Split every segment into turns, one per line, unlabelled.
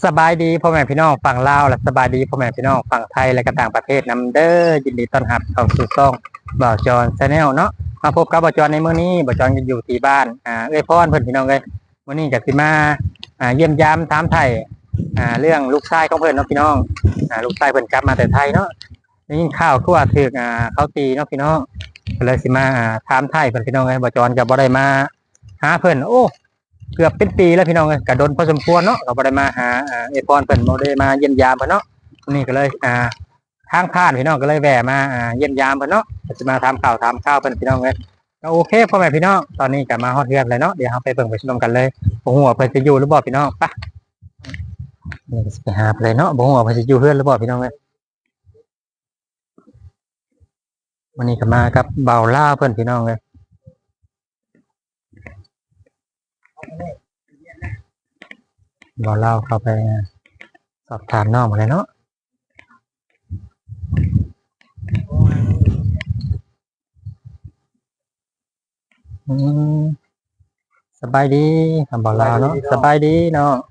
สบายดีพ่อแม่พี่น้องฝั่งลาวและสบายดีพ่อแม่พี่น้องฝั่งไทยและก็ต่างประเทศนำเด้อยินดีต้อนรับเข้าสู่ช่องบ่าวจอนชาแนลเนาะมาพบกับบ่าวจอนในมื้อนี้บ่าวจอนอยู่ที่บ้านเอ้ยพ่อเพิ่นพี่น้องเอ้ยมื้อนี้ก็สิมาเยี่ยมยามถามไทยเรื่องลูกชายของเพิ่นเนาะพี่น้องลูกชายเพิ่นกลับมาแต่ไทยเนาะได้ยินข่าวคือว่าถูกเขาตีเนาะพี่น้องก็เลยสิมาถามไทยเพิ่นพี่น้องเอ้ยบ่าวจอนก็บ่ได้มาหาเพิ่นโอ้เกือบเป็นปีแล้วพี่น้องเอ้ยก็โดนพอสมควรเนาะก็บ่ได้มาหาเอ้ยพรเพิ่นบ่ได้มาเยี่ยมยามเพิ่นเนาะนี่ก็เลยทางผ่านพี่น้องก็เลยแวะมาเยี่ยมยามเพิ่นเนาะจะมาถามข่าวเพิ่นพี่น้องเอ้ยก็โอเคพ่อแม่พี่น้องตอนนี้ก็มาฮอดเรือนเลยเนาะเดี๋ยวเราไปเบิ่งไปชมกันเลยบ่ฮู้ว่าเพิ่นจะอยู่หรือบ่พี่น้องไปนี่ก็สิไปหาเพิ่นเลยเนาะบ่ฮู้ว่าเพิ่นจะอยู่เรือนหรือบ่พี่น้องเอ้ยวันนี้ก็มากับเบาล่าเพิ่นพี่น้องเอ้ยเบาล่าเข้าไปสอบถามน้องมาเลยเนาะอืมสบายดีคำบอกลาวเนาะสบายดีเนาะ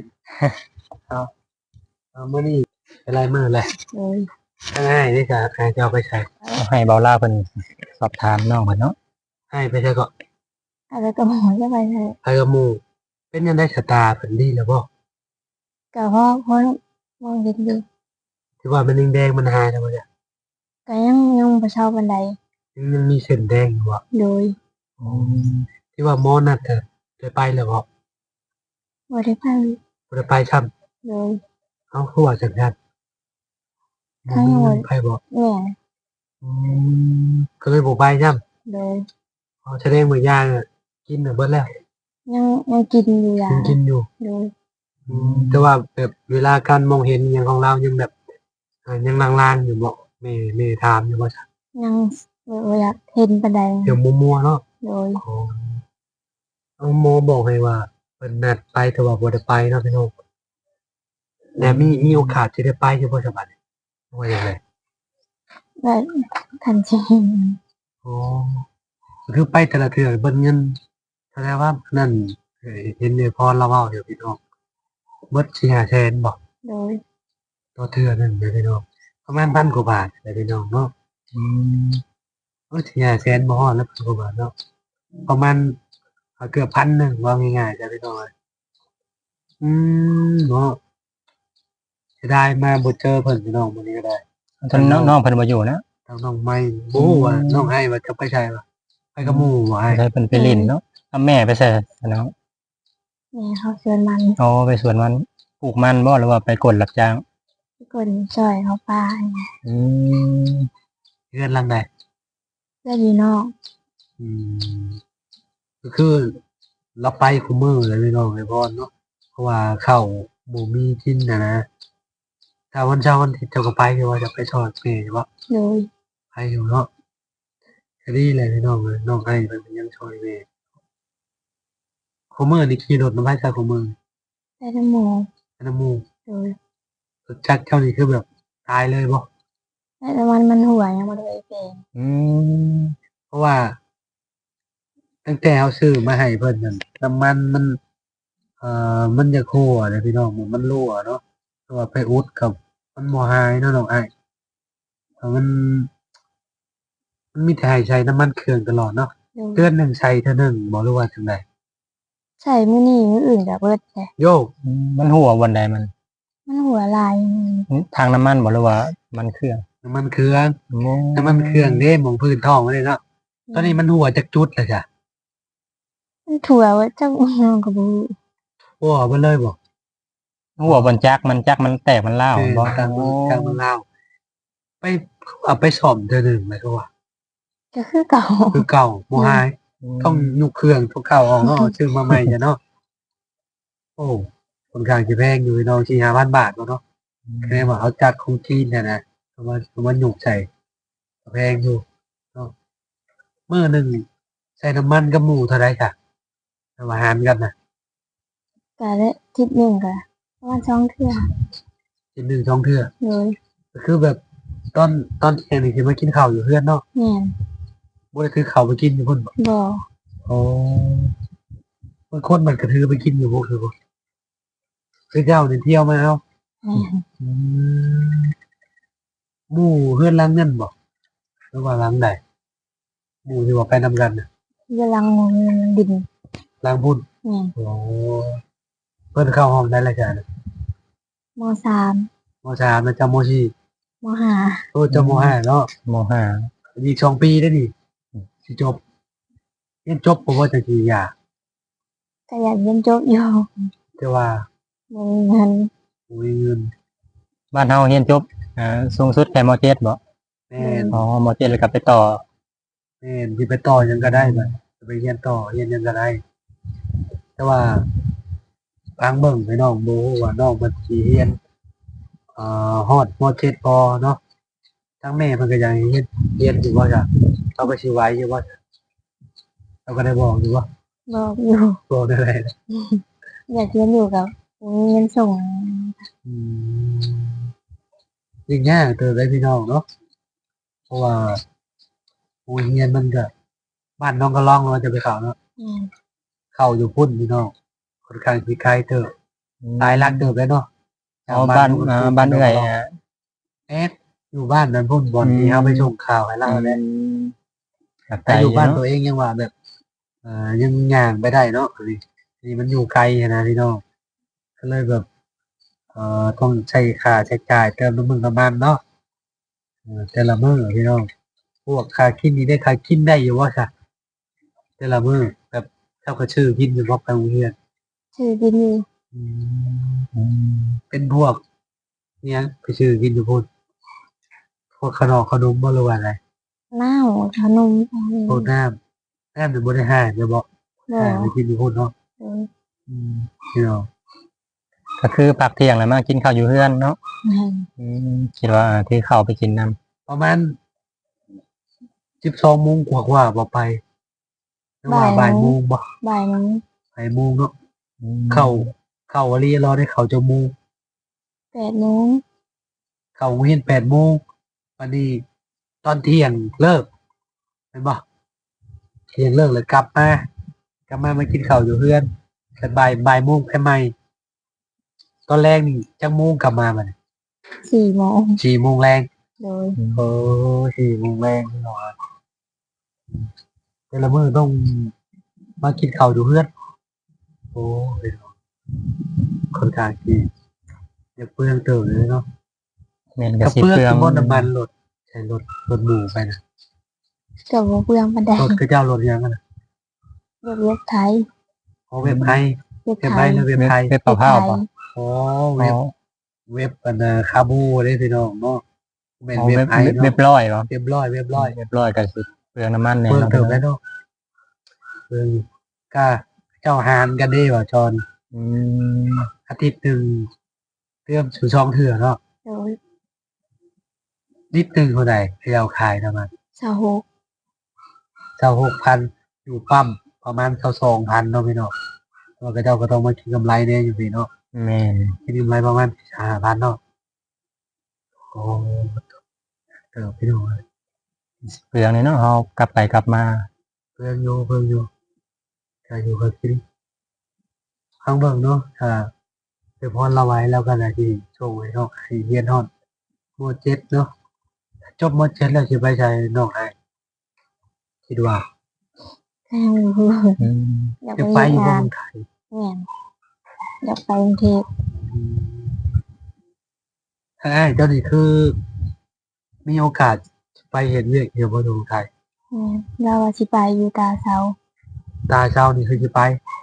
มื้อนี้เป็นไรมื้อแหละ
โอ้ย
ง่ายๆนี่ก็จะเอาไปใช้
เอาให้เบาล่าเพิ่นสอบถามน้องเพิ่นเนาะ
ให้ไปใช้ก็
อะไรก็หมอจะไปเลย
ไปกับหมู่เป็นยังได้ชะตาเพิ่นดีแล้วบ่
ก็เพราะมองเห็นอยู่
ที่ว่ามันแดงๆมันหายแล้วบ่เนี่ย
ก็ยังบ่เช่าบันได
ยังมีเส้นแดงอยู่บ่
โดย
ที่ว่าหมอนัดจะไปแล้วบ่
บ่ได้ไป
บ่ได้ไปซ้ำ
โดย
เฮาคือว่าจังซั่นบ่มีเงินไปบ่
แม่
อืมก็เลยบ่ไปซ้ำ
โดย
เอาแสดงว่ายากินน่ะเบิดแล้ว
ยังกินอยู่อย่าง
กินอยู่
โดย
แต่ว่าแบบเวลาการมองเห็นอหยังของเรายังแบบยังลางๆอยู่บ่แม่ถามอยู่ว่า
ยังบ่อยากเห็นบันได
เดี๋ยวมัวๆเนาะ
โดย
เอาหมอบอกให้ว่าเพิ่นนัดไปแต่ว่าบ่ได้ไปเนาะพี่น้องแต่มีโอกาสจะได้ไปอยู่บ่สบัดว่าจังได๋
และทันที
อ๋อคือไปแต่ละเทื่อเบิ่งเงินแสดงว่านั่นเห็นในพรเราเว้าเดี๋ยวพี่น้องเบิด4-5แสนบ่
โดย
ต่อเทื่อนึงเด้อพี่น้องประมาณ1,000กว่าบาทเด้อพี่น้องเนาะโอ้4-5แสนบ่ฮอดแล้ว1,000กว่าบาทเนาะประมาณเกือบ1,000นึงว่าง่ายๆจ้ะพี่น้องเนาะเสียดายมาบ่เจอเพิ่นพี่น้องมื้อนี้ก็ได้
ตอนน้องเพิ่นบ่อยู่นะ
ทางน้องไม่บ่ฮู้ว่าน้องให้ว่าจะไปใช่บ่ไปกับหมู่บ่ให้
ใช่เพิ่นไปเล่นเนาะเอาแม่ไปใส่น้อง
แม่เขาชวนมัน
อ๋อไปสวนมันปลูกมันบ่หรือว่าไปกดรับจ้าง
คนช่วยเขาป้า
อืม
เรือนหลังใด
เพื่อนอยู่นอก
อืมก็คือเราไปคุมื้อเลยพี่น้องไอ้พรเนาะเพราะว่าข้าวบ่มีกินนะถ้าวันเสาร์วันอาทิตย์เจ้าก็ไปอยู่ว่าจะไปทอดแม่บ่
โดย
ไปอยู่เนาะก็ดีเลยพี่น้องเอ้ยน้องให้เพิ่นยังช่วยแม่คุมื้อนี่ขี่รถนำไปซะคุมื้อ
แต่น้ำหมู
อันน้ำหมู่
โดย
รถจักรเจ้านี่คือแบบตายเลยบ่
แต่น้ำมันหัวยังบ่ได้เป็น
อืม
เพราะว่าตั้งแต่เอาซื้อมาให้เพิ่นนั่นน้ำมันมันมันจะรั่วเด้อพี่น้องมันรั่วเนาะแต่ว่าไปอุดกับมันบ่หายเนาะน้องอ้ายมันมีแต่ให้ใช้น้ำมันเครื่องตลอดเนาะ
โดย
เดือนหนึงใช้เทื่อหนึงบ่รู้ว่าจังได๋
ใช่มื้อนี้มื้ออื่นก็เบิดแหละ
โยก
มันหัววันใดมัน
มันหัวลาย
ทางน้ำมันบ่หรือว่ามันเครื่อง
น้ำมันเครื่อง
โอ้
น้ำมันเครื่องเด้หม้องพื้นท้องมันเลยเนาะตอนนี้มันหัวจักจุดแล้วจ้ะ
มันถั่วว่าเจ้าน้องก็บ่รู้
หัวเบิดเลยบ่
หัวบนจักมันแตกมันเล่าวบ่
กลางมันลาวไปเอาไปซ่อมเทื่อหนึงไหมก็ว่า
ก็คือเก่า
คือเก่าบ่หาย ต้องยุกเครื่องทุกเข้าออกเนาะซื้อมาใหม่จ้ะเนาะโอ้ค่อนข้างสิแพงอยู่เนาะ4-5,000 บาทเนาะแค่ว่าเอาจากของจีนเนี่ยนะเอามายุกใส่ก็แพงอยู่เนาะมื้อหนึงใส่น้ำมันกับหมูเท่าใดจ้ะเอามาหารกันน่ะ
ก็ได้ทิศหนึงก็ประมาณ2เทื่อ
กิน1 2เทื่อ
โดย
ก็คือแบบตอนเที่ยงนี่สิมากินข้าวอยู่เฮือนเนาะ
แม่น
บ่ได้ถือข้าวไปกินอยู่พุ่นบ่
บ่
อ๋อบางคนมันก็ถือไปกินอยู่บ่คือบ่คือเจ้าเนี่ยเที่ยวมาเอา
แม่น
อืมหมู่เฮือนหล้างเงินบ่หรือว่าหล้างใดหมู่ที่ว่าไปนำกันน่ะ
กำลังดิน
หล้างพุ่น
แม่น
โอ้เพิ่นเข้าห้องได้แล้วจ้ะน่ะ
มสาม
มสามนะจ้ามสี่
มห้า
โอ้จ้ามห้าเนาะ
มห้า
อีก2 ปีได้อนี่สิจบเรียนจบบ่ว่าจะสิยาก
ก็อยากเรียนจบอยู่
แต่ว่า
บ่มีเงิน
บ่มีเงิน
บ้านเฮาเรียนจบสูงสุดแค่มเจ็ดบ่
แม่น
อ๋อมเจ็ดแล้วก็ไปต่อ
แม่นสิไปต่อหยังก็ได้บัดจะไปเรียนต่อเรียนหยังก็ได้ แต่ว่าทางเบิ่งให้น้องบ่ฮู้ว่าน้องมันสิเรียนฮอดม.7 พอเนาะทางแม่เพิ่นก็อยากให้เรียนอยู่ว่าจ้ะเขาก็สิไหวอยู่ว่าเขาก็ได้บอกอยู่ว่า
บอกอยู่
บอกได้เลย
อยากเรียนอยู่กับบ่มีเงินส่ง
อืมยิ่งยากเติบได้พี่น้องเนาะเพราะว่าโรงเรียนมันก็บ้านน้องก็ร้องว่าจะไปเข้าเนาะ
แม่น
เข้าอยู่พุ่นพี่น้องค่อนข้างสิไกลเติบหลายหลักเติบเลยเนาะ
อ๋อบ้านบ้านเอื้อยฮะ
เอ๊ะอยู่บ้านนั้นพุ่นบอลที่เฮาไปส่งข่าวให้เราแหละ
ไกล
แต่อยู่บ้าน
เนาะ
ตัวเองยังว่าแบบยังย่างไปได้เนาะนี่มันอยู่ไกลนะพี่น้องก็เลยแบบต้องใช้ค่าใช้จ่ายเติมน้ำมึงน้ำมันเนาะแต่ละมื้อพี่น้องพวกค่ากินนี่ได้ค่ากินได้อยู่ว่าซะแต่ละมื้อแบบเจ้าก็ชื่อกินอยู่บ่ไปโรงเรียน
ชื่อดินอยู่
เป็นพวกเนี่ยไปชื่อกินอยู่พุ่นพวกขนมบ่รู้ว่าอะไร
น้าวขนม
พวกน้ำนี่บ่ได้ห้าเดี๋ยวบอก
บ่
ไปกินอยู่พุ่นเนาะ
เออ
พี่น้อง
ก็คือพักเที่ยงแล้วมากินข้าวอยู่เฮือนเนาะ
แม่น
คิดว่าที่เข้าวไปกินน้ำ
ประมาณ12 โมงกว่าบ่ไปหรือว่าบ่ายโมงบ่
บ่ายโมง
บ่ายโมงเนาะเข้าอรีรอได้เข้าจักโมง
8โมง
เข้าโรงเรียน8 โมงวันนี้ตอนเที่ยงเลิกเห็นบ่เที่ยงเลิกแล้วกลับมากินข้าวอยู่เฮือนแต่บ่ายโมงไปใหม่ตอนแรกนี่จักโมงกลับมาบัดนี้
4โมง
4 โมงแรง
โดย
โอ้4 โมงแรงพี่น้องแต่ละมื้อต้องมากินข้าวอยู่เฮือนโอ้ยค่อนข้างที่จะเปลืองเติบเลยเนาะ
แม่น
ก
ก็
ระ
สิ
เปลือง
เปลือง
บ่น้ำมันรถใช้รถหมู่ไปนะ
ก็บ่เปลืองปานใด
รถคือเจ้ารถยังกันนะ
เว็บไทย
อ๋อเว็บไทย
เว็บ
เว็บ
ไท
ไทย
ย
หรือเว็บไทย
เว็บเป่าผ้าป่ะ
อ๋อ
อ๋อ
เว็บอันคาบูได้พี่น้องเนาะเป็น
อ๋อ
เว็บ
เว็บ
ไทย
เว็บ
เนาะ
เว็บร้อยป่ะ
เว็บร้อย
เว็บร้อยก็สิเปลืองน้ำมันแน่
เพิ่ม
เนาะ
เติมได้เนาะเพิ่มก็เจ้าหานกันได้บ่จอน
อืม
อาทิตย์หนึงเติมสู่ช่องเถื่อเนาะ
โดย
นิดหนึงเท่าใดที่เราขายประมาณ
26
26,000อยู่ปั๊มประมาณ22,000เนาะพี่น้องแล้วก็เจ้าก็ต้องมาคิดกำไรเนี่ยอยู่พี่เนาะ
แม่น
คิดกำไรประมาณ5,000เนาะโอ้เติมพี่น้อง
เปลืองเลยเนาะเฮากลับไปกลับมา
เพิ่มอยู่ก็อยู่กับกินข้างเบิ่งเนาะถ้าไปพรเราไว้แล้วก็น่าสิส่งให้น้องให้เรียนฮอดม .7 เนาะจบม .7 แล้วสิไปใช้น้องให้คิดว่า
ทางอยู่
อืม
อยาก
จะ
ไป
ไปอยู่
เฮ็ด
บ่
งาน
เมืองไทย
แม่นอยากไปกรุงเทพ
ถ้าอ้ายเจ้านี่คือ มีโอกาสไปเฮ็ดเวียกอยู่บ่เมืองไทย
แม่นเราว่าสิไปอยู่ตาเสา
ตาเช้านี่คือสิไป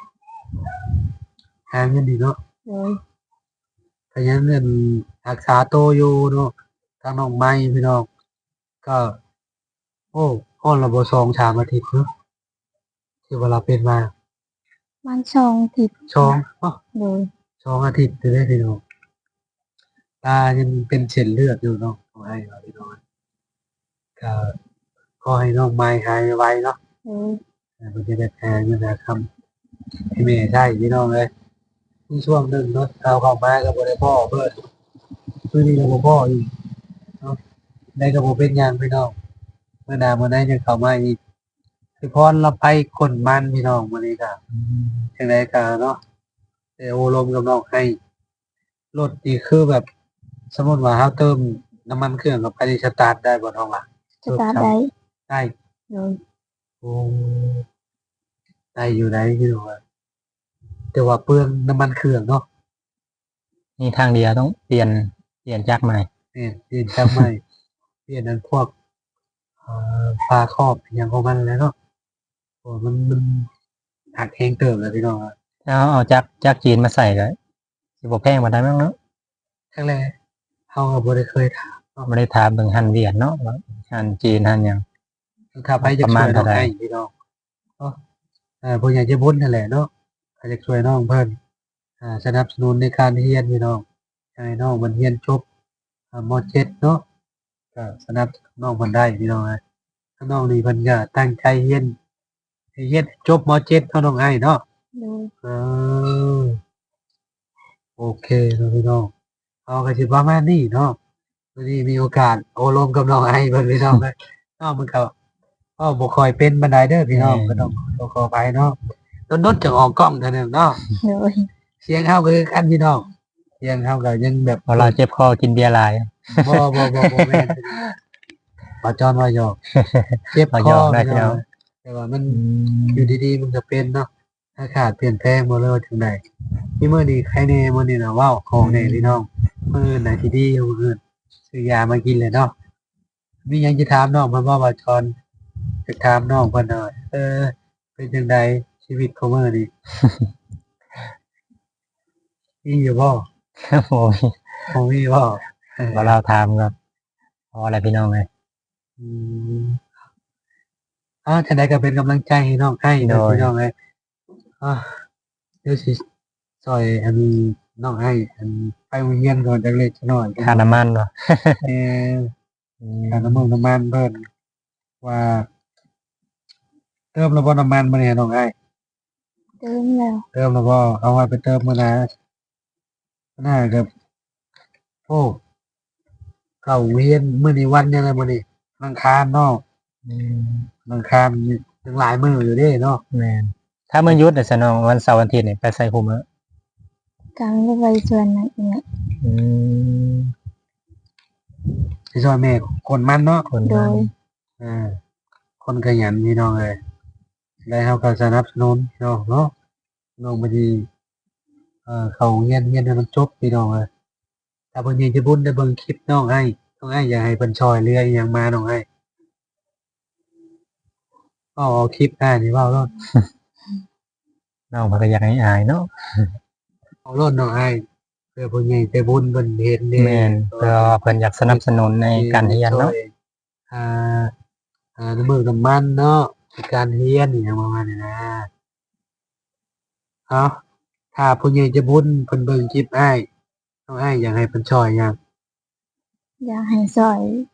หาเงินดีเนาะ
โดย
ถ้ายังเงินรักษาตัวอยู่เนาะทางน้องไม้พี่น้องก็ โอ้ฮ้อนละบ่2-3 อาทิตย์เนาะที่ว่าเราเป็นมา
มันช่องทิศ
2
โดย
2 อาทิตย์จะได้พี่น้องตายังเป็นเส้นเลือดอยู่เนาะขอให้เราพี่น้องก็ขอให้น้องไม้หายไวเนาะ
โดย
มันจะได้แพงเงินนะครับพี่เมย์ใช่พี่น้องเลยมีช่วงหนึ่งเนาะเราเข้ามากับบริพ่อเบิดคือนี่กับพ่ออีกเนาะได้กับผมเป็นหยังพี่น้องเมื่อหนาเมื่อไหนจะเข้ามาอีกพี่พรเราไปคนมันพี่น้องวันนี้ก็จังไดก็เนาะเดี๋ยวโอลมกับน้องให้รถนี่คือแบบ สมมุติว่าเราเติมน้ำมันเครื่องกับไปสตาร์ทได้บ่น้องล่ะ
สตาร์ทได้
ได้
โดย
โอ้ได้อยู่ได้พี่น้องอะแต่ว่าเปลืองน้ำมันเครื่องเนาะ
นี่ทางเดียวต้องเปลี่ยนจักรใหม่
เนี่ยเปลี่ยนจากใหม่เปลี่ยนนั้นพวกฝาครอบอหย่างของมันแล้วเนาะโอ้มันหักแฮงเติมแล้วพี่น้องอะ
ถ้าเอาจักรจีนมาใส่ก็สิบ่แพงบ่ได้มั้งเนาะ
ครั้งแรกเฮาก็บ่ได้เคยถาม
บ่ได้ถามเบิ่งหันเวียดเนาะว่าหันจีนหันหยัง
ถ้าไปจะ
ประ
ช่
มา
วย
ณ
น้อ
เท่าง ใด
ให้พี่น้องเนาะผู้ใหญ่ใจบุญนั่นแหละเนาะถ้าจะช่วยน้องเพิ่นสนับสนุนในการเรียนพี่น้องให้น้องมันเรียนจบม .7 เนาะก็สนับสนุนน้องเพิ่นได้พี่น้องนะถ้าน้องนี่เพิ่นก็ตั้งใจเรียนให้เรียนจบม .7 เท่าน้องไอ้เนาะ
โดย
เออโอเคเนาะพี่น้องเอาก็สิประมาณนี้เนาะวันนี้มีโอกาสโอ้ลมกับน้องไอ้เพิ่นพี่น้องนะน้องมันก็บ่ค่อยเป็นปานใดเด้อพี่น้องก็ต้องขออภัยเนาะโดนๆจะออกกล้องเท่านั้นเนาะ
โดย
เสียงเฮาก็คือกันพี่น้องเสียงเฮาก็ยังแบบ
เวลาเจ็บคอกินเบียร์หลาย
บ่แม่นบ่จอนว่าหยอกเจ็บ
บ่
ค
หย
อ
อกได้
พี่
พี่น้
น้
อ
อง งแต่ว่ามันอยู่ดีๆมันก็เป็นเนาะอากาศเปลี่ยนแปลงบ่เลยว่าถึงใดมีมื้อนี้ใครแน่มื้อนี้น่ะว้าวของแน่พี่น้องมื้ออื่นน่ะสิดีอยู่มื้ออื่นซื้อยามากินเลยเนาะมีหยังสิถามน้องเพิ่นบ่จอนจะถามน้องเพิ่นหน่อยเป็นจังไดชีวิตของมื้อนี้ มีอยู่บ่
โอ้ย
บ่มีบ่
บ่เราถามครับพออะไรพี่น้องเลย
อืมจะได้ก็เป็นกำลังใจให้น้องให้นะพี่น้องเลยเดี๋ยวสิซอยอันน้องให้อันไปโรงเรียนก่อนจักเล็กจักน้อย
ค่าน้ำมันบ่
เออค่าน้ำมันเพิ่นว่าเติมแล้วบ่น้ำมันบ่เนี่ยน้องให้
เติมแล้ว
เติมแล้วบ่เอาไว้ไปเติมมื้อหน้าหน้าก็โอ้เข้าโรงเรียนมื้อนี้วันยังไงมื้อนี้วันอังคารเนาะวันอังคารยังหลายมื้ออยู่เด้เนาะ
แม่นถ้ามื้อหยุดน่ะซะน้องวันเสาร์วันอาทิตย์นี่ไปใส่คุมื้อ
การไม่ไปชวนนั่นเนี่ย
อืม
สิช่วยแม่คนมันเนาะ
คน
โด
นั้น
ย
คนขยันพี่น้องเลยได้เฮาก็สนับสนุนพี่น้องเนาะน้องบ่ดีเข้าเรียนให้มันจบพี่น้องเอ้ยถ้าเพิ่นยังจะบุญได้เบิ่งคลิปน้องให้อยากให้เพิ่นช่วยเหลืออิหยังมาน้องให้เอาคลิปนี่เว้าโลด
น้องเพิ่นก็อยากให้อายเนาะ
เอาโลดน้องให้เพื่อเพิ่นใหญ่ใจบุญเพิ่นเห็นเด้
แม่นเพื่อว่าเพิ่นอยากสนับสนุนในการเรียนเนาะ
อ่น้ำมือน้ำมันเนาะในการเรียนอหยังประมาณนี้นะเอาถ้าผู้ใหญ่จะบุญเพิ่นเบิ่งคลิปอ้ายน้องอ้ายอยากให้เพิ่นช่วยหยัง
อยากให้ซอย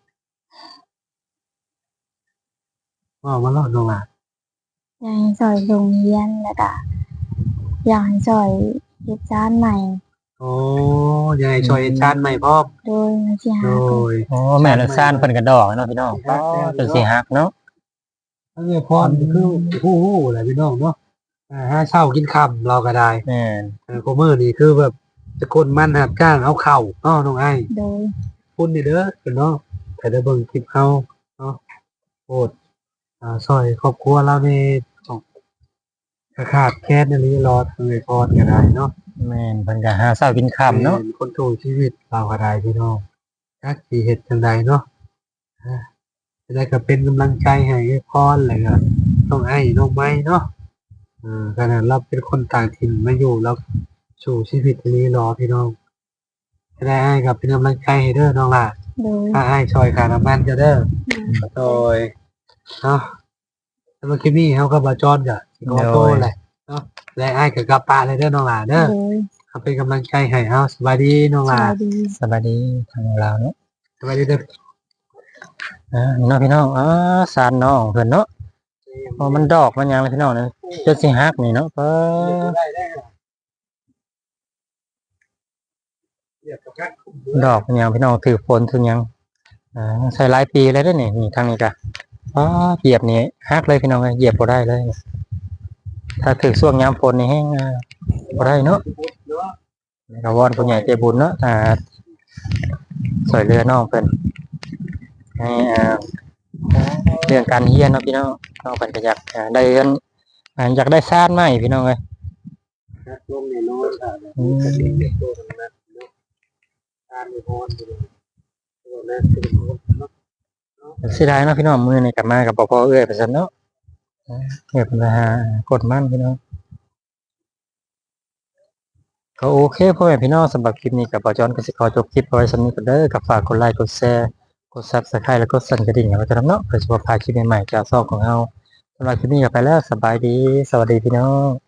ว่ามาเล่าน้องอ่ะ
อยากให้ซอยโรงเรียนแล้วก็อยากให้ซอยเฮ็ดจานใหม่
โอ้อยากให้ช่วยชาติใหม่พร้อม
โดยมันสิหา
โด
กัน
ย
โอ้แม่ละซ่านเพิ่นก็ดอกเนาะพี่น้องก็จนสิหักเนาะ
ทั้งเงินพรคือฮู้ๆแหละพี่น้องเนาะหาเช้ากินค่ำเราก็ได้
แม่น
โคมื้อนี่คือแบบจะคนมันหับจ้างเอาเข้าเนาะน้องอ้าย
โดย
คุณนี่เด้อเนาะถ้าได้เบิ่งคลิปเฮาเนาะโปรดซอยครอบครัวเรานี่ต้องขาดแคลนอีหลีรอทางเงินพรก็ได้เนาะ
แม่นเพิ่นก็หาเช้ากินค่ำเนาะ
คนถูกชีวิตเราก็ได้พี่น้องจักสิเฮ็ดจังใดเนาะจะได้ก็เป็นกำลังใจให้พรเลยก็น้องไอ้น้องไม้เนาะขนาดเราเป็นคนต่างถิ่นมาอยู่แล้วสู่ชีวิตนี้รอพี่น้องจะได้ไอ้กับเป็นกำลังใจให้เด้อน้องล่ะ
โดย
ถ้าไอ้ช่วยค่าน้ำมันจะเด้อโดยเนาะสำหรับคลิปนี้เฮาก็บ่จอนก็สิขอโทษแหละเนาะและไอ้ก็กลับป่าเลยเด้อน้องล่ะเด้อ
โดย
เอาเป็นกำลังใจให้เฮาสบายดีน้อง
ส
ล่ะ
วัสดี
สบายดีทางลาวเนาะ
สบายดีเด้อ
นี่เนาะพี่น้องซ่านน้องเพิ่นเนาะพอมันดอกมันหยังเลยพี่น้องนะจนสิหักนี่เนาะก็ ดอกมันหยังพี่น้องถือฝนถือหยังใส่หลายปีแล้วเด้อนี่ทางนี้ก็เหยียบนี่หักเลยพี่น้องเหยียบบ่ได้เลย ถ้าถือช่วงยามฝนนี่แห้งบ่ได้เนาะแล้วก็วอนผู้ใหญ่ใจบุญเนาะสวยเรือน้องเพิ่นให้เรื่องการเรียนเนาะพี่น้องน้องเพิ่นก็อยากได้เรียนอยากได้ซ่านใหม่พี่น้องเอ้ย
นักลงในน้อยค่ะจะเรียนเด็กโตทางนั้นเนาะการมีพรอยู่ตัวนั้นคือเนาะ
เสียดายเนาะพี่น้องมื้อนี้กลับมากับพ่อเอ้ยไปซั่นเนาะเอ้ยเพิ่นไปหากดมันพี่น้องก็โอเคพ่อแม่พี่น้องสำหรับคลิปนี้กับบ่จอนก็สิขอจบคลิปเอาไว้ส่ำนี้ก่อนเด้อก็ฝากกดไลค์กดแชร์กด Subscribe แล้วก็สั่นกระดิ่งเอาไว้จะนำเนาะเพื่อจะบ่พลาดคลิปใหม่ๆจากช่องของเราสำหรับคลิปนี้ก็ไปแล้วสบายดีสวัสดีพี่น้อง